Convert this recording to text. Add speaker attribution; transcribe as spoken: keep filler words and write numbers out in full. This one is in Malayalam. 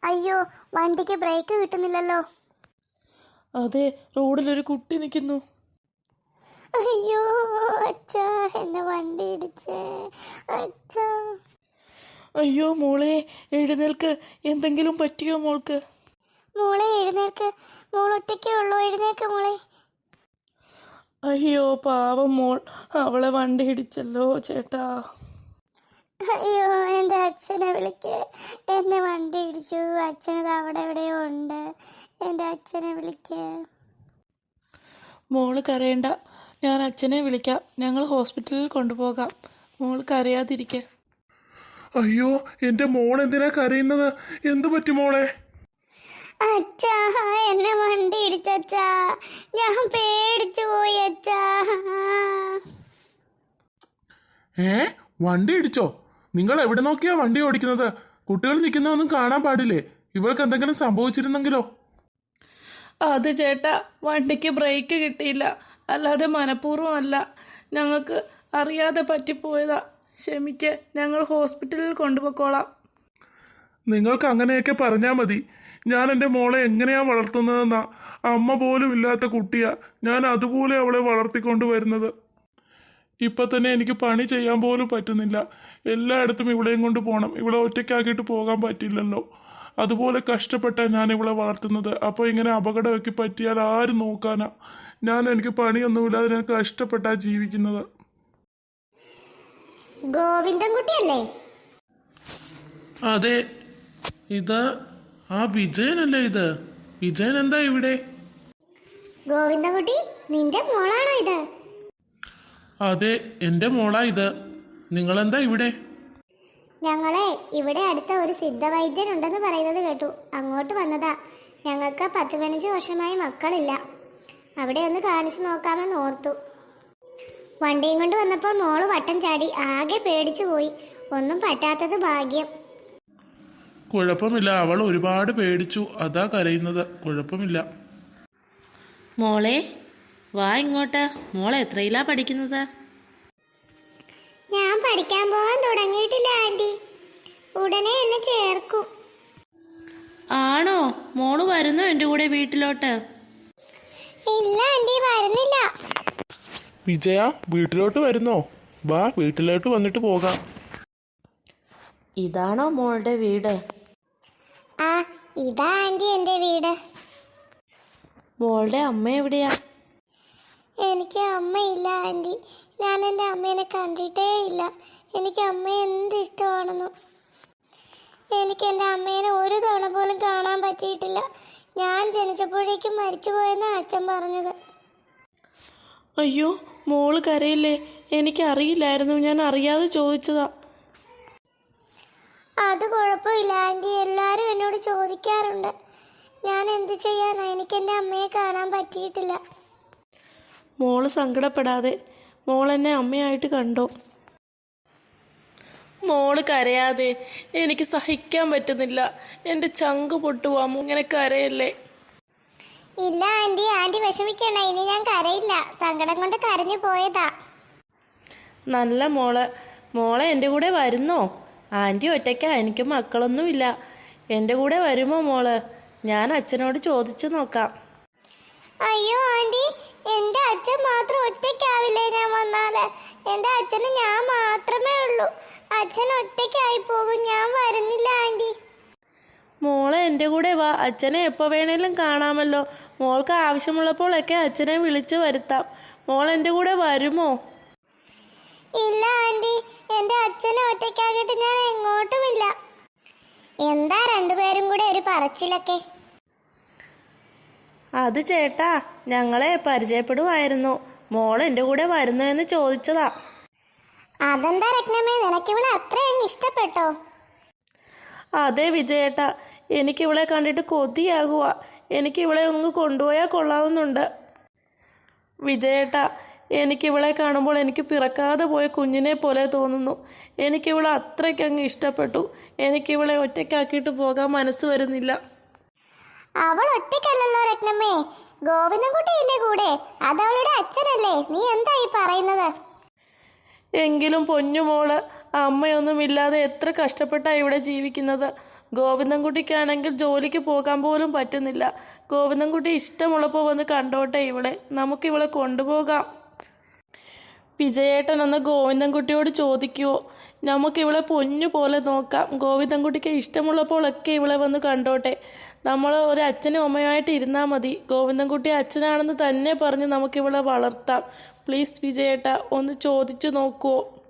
Speaker 1: അയ്യോ, വണ്ടിക്ക് ബ്രേക്ക് കിട്ടുന്നില്ലല്ലോ.
Speaker 2: അതെ, റോഡിലൊരു കുട്ടി നിൽക്കുന്നു.
Speaker 1: അയ്യോ അച്ഛാ, എന്നെ വണ്ടി ഇടിച്ചേ അച്ഛാ.
Speaker 2: അയ്യോ മോളെ, എഴുന്നേൽക്ക്. എന്തെങ്കിലും പറ്റിയോ മോൾക്ക്?
Speaker 1: മോളെ എഴുന്നേൽക്ക്, മോൾ ഒറ്റയ്ക്കേ ഉള്ളൂ, എഴുന്നേൽക്ക് മോളെ.
Speaker 2: അയ്യോ പാവം മോൾ, അവളെ വണ്ടി ഇടിച്ചല്ലോ ചേട്ടാ.
Speaker 1: അയ്യോ, എൻ്റെ അച്ഛനെ വിളിക്ക്. എന്നെ വണ്ടി ഇടിച്ചു, അച്ഛനത് അവിടെ എവിടെയോ ഉണ്ട്. എൻ്റെ അച്ഛനെ വിളിക്ക്.
Speaker 2: മോള് കരയണ്ട, ഞാൻ അച്ഛനെ വിളിക്കാം. ഞങ്ങൾ ഹോസ്പിറ്റലിൽ കൊണ്ടുപോകാം. മോള് കരയാതിരിക്കെ.
Speaker 3: അയ്യോ, എൻ്റെ മോൾ എന്തിനാ കരയുന്നത്? എന്തു പറ്റി മോളെ?
Speaker 1: അച്ഛാ, എന്നെ വണ്ടി ഇടിച്ചച്ചാ, ഞാൻ പേടിച്ചു പോയി അച്ഛാ.
Speaker 3: ഏ വണ്ടി ഇടിച്ചോ? നിങ്ങൾ എവിടെ നോക്കിയാ വണ്ടി ഓടിക്കുന്നത്? കുട്ടികൾ നിൽക്കുന്നതൊന്നും കാണാൻ പാടില്ലേ? ഇവർക്ക് എന്തെങ്കിലും സംഭവിച്ചിരുന്നെങ്കിലോ?
Speaker 2: അത് ചേട്ടാ, വണ്ടിക്ക് ബ്രേക്ക് കിട്ടിയില്ല, അല്ലാതെ മനഃപൂർവ്വം അല്ല. ഞങ്ങൾക്ക് അറിയാതെ പറ്റിപ്പോയതാ. ക്ഷമിക്ക്, ഞങ്ങൾ ഹോസ്പിറ്റലിൽ കൊണ്ടുപോയിക്കോളാം.
Speaker 3: നിങ്ങൾക്ക് അങ്ങനെയൊക്കെ പറഞ്ഞാൽ മതി. ഞാൻ എൻ്റെ മോളെ എങ്ങനെയാ വളർത്തുന്നതെന്നാ. അമ്മ പോലും ഇല്ലാത്ത കുട്ടിയാ ഞാൻ, അതുപോലെ അവളെ വളർത്തിക്കൊണ്ട് വരുന്നത്. ഇപ്പം തന്നെ എനിക്ക് പണി ചെയ്യാൻ പോലും പറ്റുന്നില്ല. എല്ലായിടത്തും ഇവളെയും കൊണ്ട് പോകണം. ഇവളെ ഒറ്റയ്ക്കാക്കിയിട്ട് പോകാൻ പറ്റില്ലല്ലോ. അതുപോലെ കഷ്ടപ്പെട്ടാണ് ഞാൻ ഇവളെ വളർത്തുന്നത്. അപ്പോൾ ഇങ്ങനെ അപകടമൊക്കെ പറ്റിയാൽ ആര് നോക്കാനാ? ഞാൻ എനിക്ക് പണിയൊന്നുമില്ലാതെ ഞാൻ കഷ്ടപ്പെട്ടാ ജീവിക്കുന്നത്.
Speaker 1: ഗോവിന്ദൻകുട്ടിയല്ലേ?
Speaker 3: അതെ, ഇത് ആ വിജയനല്ലേ? ഇത് വിജയൻ എന്താ ഇവിടെ?
Speaker 1: ഗോവിന്ദൻകുട്ടി, നിന്റെ മോളാണോ ഇത്?
Speaker 3: അതെ, എൻ്റെ മോളാ ഇത്. നിങ്ങളെന്താ ഇവിടെ?
Speaker 1: ഞങ്ങളെ ഇവിടെ അടുത്ത ഒരു സിദ്ധവൈദ്യൻ ഉണ്ടെന്ന് പറയുന്നത് കേട്ടു, അങ്ങോട്ട് വന്നതാ. ഞങ്ങൾക്ക് പത്ത് പതിനഞ്ച് വർഷമായി മക്കളില്ല. അവിടെ ഒന്ന് കാണിച്ചു നോക്കാമെന്ന് ഓർത്തു. വണ്ടിയും കൊണ്ട് വന്നപ്പോൾ മോള് വട്ടം ചാടി, ആകെ പേടിച്ചു പോയി. ഒന്നും പറ്റാത്തത് ഭാഗ്യം.
Speaker 3: കുഴപ്പമില്ല, അവൾ ഒരുപാട് പേടിച്ചു, അതാ കരയുന്നത്. കുഴപ്പമില്ല.
Speaker 4: മോളെ വാ ഇങ്ങോട്ട്. മോളെ എത്രയിലാ പഠിക്കുന്നത്?
Speaker 1: ഞാൻ പഠിക്കാൻ പോകാൻ തുടങ്ങിയിട്ടില്ല ആന്റി, ഉടനെ എന്നെ ചേർക്കും.
Speaker 4: ആണോ? മോള് വരുന്നോ എൻ്റെ കൂടെ വീട്ടിലോട്ട്?
Speaker 1: ഇല്ല ആന്റി, വരുന്നില്ല.
Speaker 3: വിജയ, വീട്ടിലോട്ട് വരുന്നോ? വാ, വീട്ടിലോട്ട് വന്നിട്ട് പോകാം.
Speaker 4: ഇതാണോ മോളുടെ വീട്?
Speaker 1: ആ, ഇതാ ആന്റി എൻ്റെ വീട്.
Speaker 4: മോളുടെ അമ്മ എവിടെയാ?
Speaker 1: എനിക്ക് അമ്മയില്ല ആന്റി, ഞാൻ എൻ്റെ അമ്മേനെ കണ്ടിട്ടേ ഇല്ല. എനിക്ക് അമ്മയെ എന്ത് ഇഷ്ടമാണെന്നു. എനിക്ക് എൻ്റെ അമ്മേനെ ഒരു തവണ പോലും കാണാൻ പറ്റിയിട്ടില്ല. ഞാൻ ജനിച്ചപ്പോഴേക്കും മരിച്ചുപോയെന്നാണ് അച്ഛൻ പറഞ്ഞത്.
Speaker 2: അയ്യോ മോള് കരയില്ലേ? എനിക്കറിയില്ലായിരുന്നു, ഞാൻ അറിയാതെ ചോദിച്ചതാ.
Speaker 1: അത് കുഴപ്പമില്ല ആന്റി, എല്ലാവരും എന്നോട് ചോദിക്കാറുണ്ട്. ഞാൻ എന്ത് ചെയ്യാനാ, എനിക്ക് എൻ്റെ അമ്മയെ കാണാൻ പറ്റിയിട്ടില്ല.
Speaker 2: മോള് സങ്കടപ്പെടാതെ, മോളെന്നെ അമ്മയായിട്ട് കണ്ടോ. മോള് കരയാതെ, എനിക്ക് സഹിക്കാൻ പറ്റുന്നില്ല. എൻ്റെ ചങ്ക് പൊട്ടുവാമോ, ഇങ്ങനെ കരയല്ലേ.
Speaker 1: ഇല്ല ആന്റി, ആന്റി വിഷമിക്കണ്ട, ഇനി ഞാൻ കരയില്ല. സങ്കടം കൊണ്ട് കരഞ്ഞു പോയതാ.
Speaker 2: നല്ല മോള്. മോളെ എൻ്റെ കൂടെ വരുന്നോ? ആൻറ്റി ഒറ്റയ്ക്കാ, എനിക്ക് മക്കളൊന്നുമില്ല. എൻ്റെ കൂടെ വരുമോ മോള്? ഞാൻ അച്ഛനോട് ചോദിച്ചു നോക്കാം.
Speaker 1: അയ്യോ ആന്റി, എൻ്റെ അച്ഛൻ മാത്രം ഒറ്റയ്ക്കാവില്ലേ ഞാൻ വന്നാല്? എൻ്റെ അച്ഛന് ഞാൻ മാത്രമേ ഉള്ളൂ. അച്ഛൻ ഒറ്റയ്ക്കായി പോകും, ഞാൻ വരുന്നില്ല ആന്റി.
Speaker 2: മോളെ എൻ്റെ കൂടെ വാ, അച്ഛനെ എപ്പോൾ വേണേലും കാണാമല്ലോ. മോൾക്ക് ആവശ്യമുള്ളപ്പോഴൊക്കെ അച്ഛനെ വിളിച്ച് വരുത്താം. മോൾ എൻ്റെ കൂടെ വരുമോ?
Speaker 1: ഇല്ല ആന്റി, എൻ്റെ അച്ഛനെ ഒറ്റയ്ക്കാക്കിയിട്ട് ഞാൻ എങ്ങോട്ടുമില്ല. എന്താ രണ്ടുപേരും കൂടെ ഒരു പറച്ചിലൊക്കെ?
Speaker 2: അത് ചേട്ടാ, ഞങ്ങളെ പരിചയപ്പെടുമായിരുന്നു. മോൾ എൻ്റെ കൂടെ വരുന്നോ എന്ന് ചോദിച്ചതാ.
Speaker 1: അതെന്താ രത്നമ്മേ, നിനക്കിവളെ അത്രയും ഇഷ്ടപ്പെട്ടോ?
Speaker 2: അതെ വിജയേട്ടാ, എനിക്കിവളെ കണ്ടിട്ട് കൊതിയാകുക. എനിക്കിവളെ ഒന്ന് കൊണ്ടുപോയാൽ കൊള്ളാവുന്നുണ്ട്. വിജയേട്ടാ, എനിക്കിവളെ കാണുമ്പോൾ എനിക്ക് പിറക്കാതെ പോയ കുഞ്ഞിനെ പോലെ തോന്നുന്നു. എനിക്കിവളെ അത്രയ്ക്കങ്ങ് ഇഷ്ടപ്പെട്ടു. എനിക്കിവളെ ഒറ്റയ്ക്കാക്കിയിട്ട് പോകാൻ മനസ്സ് വരുന്നില്ല.
Speaker 1: അവൾ ഒറ്റയ്ക്കല്ലല്ലോ രത്നമ്മേ, ഗോവിന്ദൻകുട്ടിയില്ലേ കൂടെ? അതവളുടെ അച്ഛനല്ലേ? നീ എന്താ ഈ പറയുന്നത്?
Speaker 2: എങ്കിലും പൊന്നുമോള്, അമ്മയൊന്നുമില്ലാതെ എത്ര കഷ്ടപ്പെട്ടാണ് ഇവിടെ ജീവിക്കുന്നത്. ഗോവിന്ദൻകുട്ടിക്കാണെങ്കിൽ ജോലിക്ക് പോകാൻ പോലും പറ്റുന്നില്ല. ഗോവിന്ദൻകുട്ടി ഇഷ്ടമുള്ളപ്പോൾ വന്ന് കണ്ടോട്ടെ ഇവളെ. നമുക്കിവളെ കൊണ്ടുപോകാം. വിജയേട്ടൻ ഒന്ന് ഗോവിന്ദൻകുട്ടിയോട് ചോദിക്കുവോ? നമുക്കിവളെ പൊന്നു പോലെ നോക്കാം. ഗോവിന്ദൻകുട്ടിക്ക് ഇഷ്ടമുള്ളപ്പോഴൊക്കെ ഇവളെ വന്ന് കണ്ടോട്ടെ. നമ്മൾ ഒരു അച്ഛനും അമ്മയുമായിട്ട് ഇരുന്നാൽ മതി. ഗോവിന്ദൻകുട്ടി അച്ഛനാണെന്ന് തന്നെ പറഞ്ഞ് നമുക്കിവളെ വളർത്താം. പ്ലീസ് വിജയേട്ട, ഒന്ന് ചോദിച്ചു നോക്കുവോ?